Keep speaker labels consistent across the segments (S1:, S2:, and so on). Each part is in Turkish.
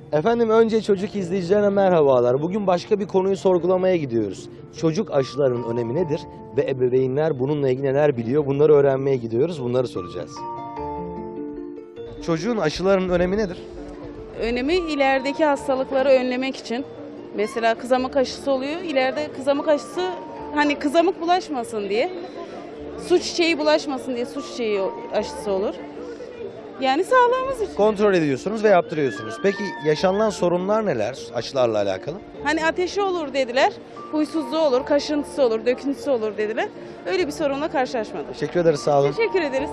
S1: Efendim önce çocuk izleyicilerine merhabalar. Bugün başka bir konuyu sorgulamaya gidiyoruz. Çocuk aşılarının önemi nedir ve ebeveynler bununla ilgili neler biliyor? Bunları öğrenmeye gidiyoruz, bunları soracağız. Çocuğun aşılarının önemi nedir?
S2: Önemi ilerideki hastalıkları önlemek için. Mesela kızamık aşısı oluyor. İleride kızamık aşısı hani kızamık bulaşmasın diye. Su çiçeği bulaşmasın diye su çiçeği aşısı olur. Yani sağlığımız için.
S1: Kontrol ediyorsunuz ve yaptırıyorsunuz. Peki yaşanılan sorunlar neler aşılarla alakalı?
S2: Hani ateşi olur dediler. Huysuzluğu olur, kaşıntısı olur, döküntüsü olur dediler. Öyle bir sorunla karşılaşmadık.
S1: Teşekkür ederiz, sağ olun.
S2: Teşekkür ederiz.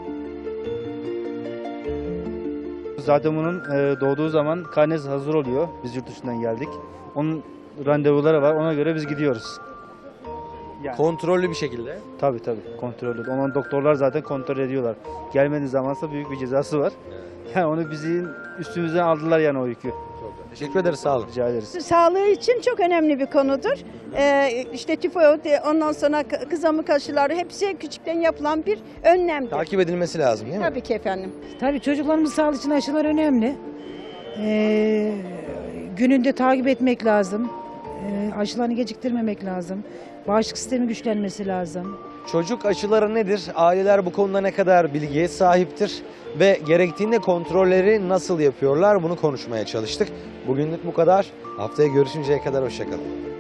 S3: Zaten bunun doğduğu zaman karnesi hazır oluyor. Biz yurt dışından geldik. Onun randevuları var. Ona göre biz gidiyoruz. Yani,
S1: Kontrollü bir şekilde.
S3: tabii kontrollü. Onun doktorlar zaten kontrol ediyorlar. Gelmediği zamansa büyük bir cezası var. Yani onu bizim üstümüzden aldılar yani o yükü.
S1: Teşekkür ederiz, sağ olun.
S3: Rica ederiz.
S4: Sağlığı için çok önemli bir konudur. İşte tifoid, ondan sonra kızamık aşıları hepsi küçükten yapılan bir önlemdir.
S1: Takip edilmesi lazım değil mi?
S4: Tabii ki efendim.
S5: Tabii çocuklarımızın sağlığı için aşılar önemli. Gününde takip etmek lazım. Aşılarını geciktirmemek lazım. Bağışıklık sistemi güçlenmesi lazım.
S1: Çocuk aşıları nedir? Aileler bu konuda ne kadar bilgiye sahiptir? Ve gerektiğinde kontrolleri nasıl yapıyorlar? Bunu konuşmaya çalıştık. Bugünlük bu kadar. Haftaya görüşünceye kadar hoşça kalın.